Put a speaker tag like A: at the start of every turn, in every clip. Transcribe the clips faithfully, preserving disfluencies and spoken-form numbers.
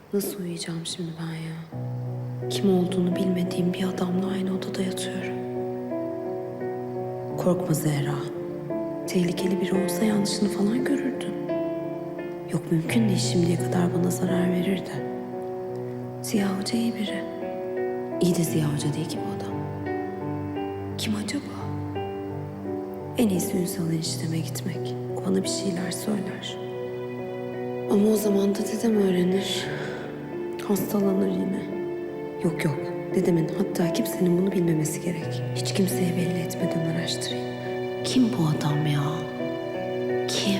A: Nasıl uyuyacağım şimdi ben ya? Kim olduğunu bilmediğim bir adamla aynı odada yatıyorum. Korkma Zehra. Tehlikeli biri olsa yanlışını falan görürdün. Yok mümkün değil şimdiye kadar bana zarar verirdi. Ziya Hoca iyi biri. İyi de Ziya Hoca değil ki bu adam. Kim acaba? En iyisi Ünsal enişteme gitmek. O bana bir şeyler söyler. Ama o zaman da dedem öğrenir. Hastalanır yine. Yok yok. Dedemin hatta kimsenin bunu bilmemesi gerek. Hiç kimseye belli etmeden araştırayım. Kim bu adam ya? Kim?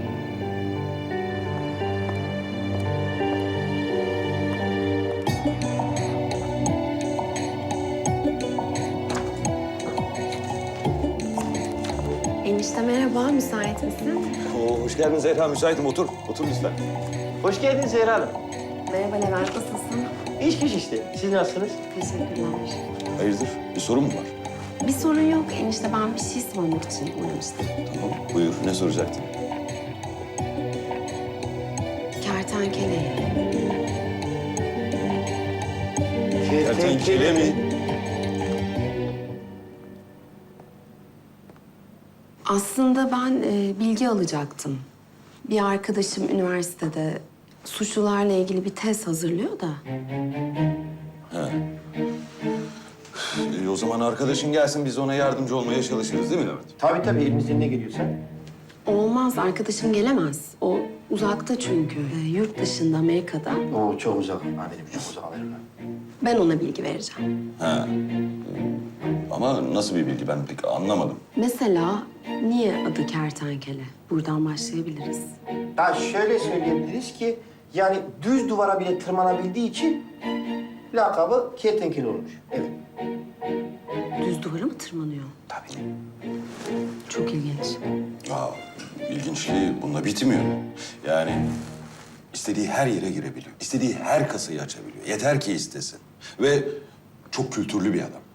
A: Enişte merhaba, müsait misin?
B: Oo, hoş geldin Zehra. Müsaitim. Otur. Otur lütfen.
C: Hoş geldiniz Zehra Hanım.
A: Merhaba Levent, nasılsın?
C: İş güç işte. Siz nasılsınız?
A: Teşekkürler.
B: Hayırdır? Bir sorun mu var?
A: Bir sorun yok enişte, ben bir şey sormak için uğramıştım.
B: Tamam. Buyur. Ne soracaktın?
A: Kertenkele.
B: Kertenkele mi?
A: Aslında ben e, bilgi alacaktım. Bir arkadaşım üniversitede suçlularla ilgili bir tez hazırlıyor da.
B: Ee, o zaman arkadaşın gelsin. Biz ona yardımcı olmaya çalışırız değil mi Levent?
C: Tabii tabii elimizden ne geliyorsa.
A: Olmaz, arkadaşım gelemez. O uzakta çünkü. E, yurt dışında, Amerika'da.
C: Oo çok uzak. Amirim çok uzak amirim.
A: Ben ona bilgi vereceğim.
B: Ha. Ama nasıl bir bilgi? Ben pek anlamadım.
A: Mesela niye adı kertenkele? Buradan başlayabiliriz.
C: Ya şöyle söyleyebiliriz ki yani düz duvara bile tırmanabildiği için lakabı kertenkele olmuş. Evet.
A: Düz duvara mı tırmanıyor?
C: Tabii.
A: Çok ilginç.
B: Aa, ilginçliği bunda bitmiyor. Yani istediği her yere girebiliyor. İstediği her kasayı açabiliyor. Yeter ki istesin. Ve çok kültürlü bir adam.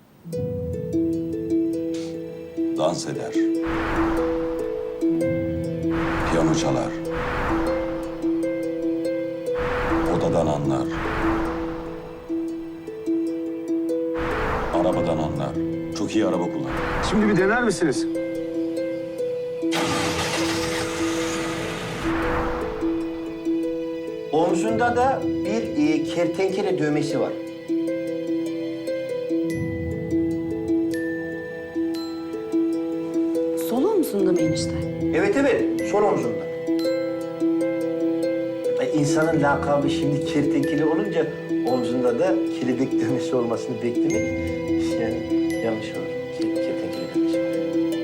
B: Dans eder. Piyano çalar. Odadan anlar. Arabadan anlar. Çok iyi araba kullanır.
D: Şimdi bir dener misiniz?
C: Omzunda da bir e, kertenkele dövmesi var.
A: Sol omzunda mı enişte?
C: Evet evet, sol omzunda. E, insanın lakabı şimdi kertenkele olunca omzunda da kelebek dövmesi olmasını beklemek yani yanlış olur. Ke- Kertenkele dövmesi var.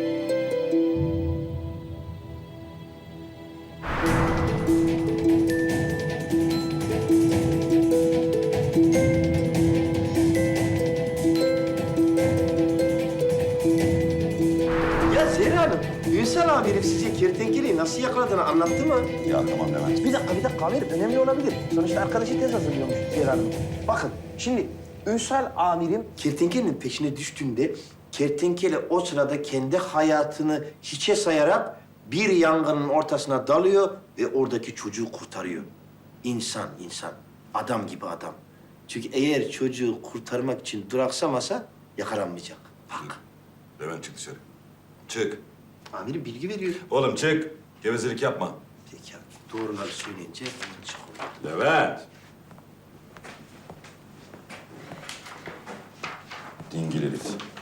C: Ya Zehra Hanım, Ünsal amirim size kertenkeleyi nasıl yakaladığını anlattı mı?
B: Ya tamam Levent.
C: Bir dakika, bir dakika amirim. Önemli olabilir. Sonuçta arkadaşı tez hazırlıyormuş Zehra Hanım. Bakın, şimdi Ünsal amirim kertenkelenin peşine düştüğünde... ...kertenkele o sırada kendi hayatını hiçe sayarak... ...bir yangının ortasına dalıyor ve oradaki çocuğu kurtarıyor. İnsan, insan. Adam gibi adam. Çünkü eğer çocuğu kurtarmak için duraksamasa yakalanmayacak. Bak.
B: Levent çık dışarı. Çık.
C: Amirim bilgi veriyor.
B: Oğlum çık. Gevezelik yapma.
C: Peki abi, doğruları söyleyince yanlış oluyor.
B: Levent. Dingil herif.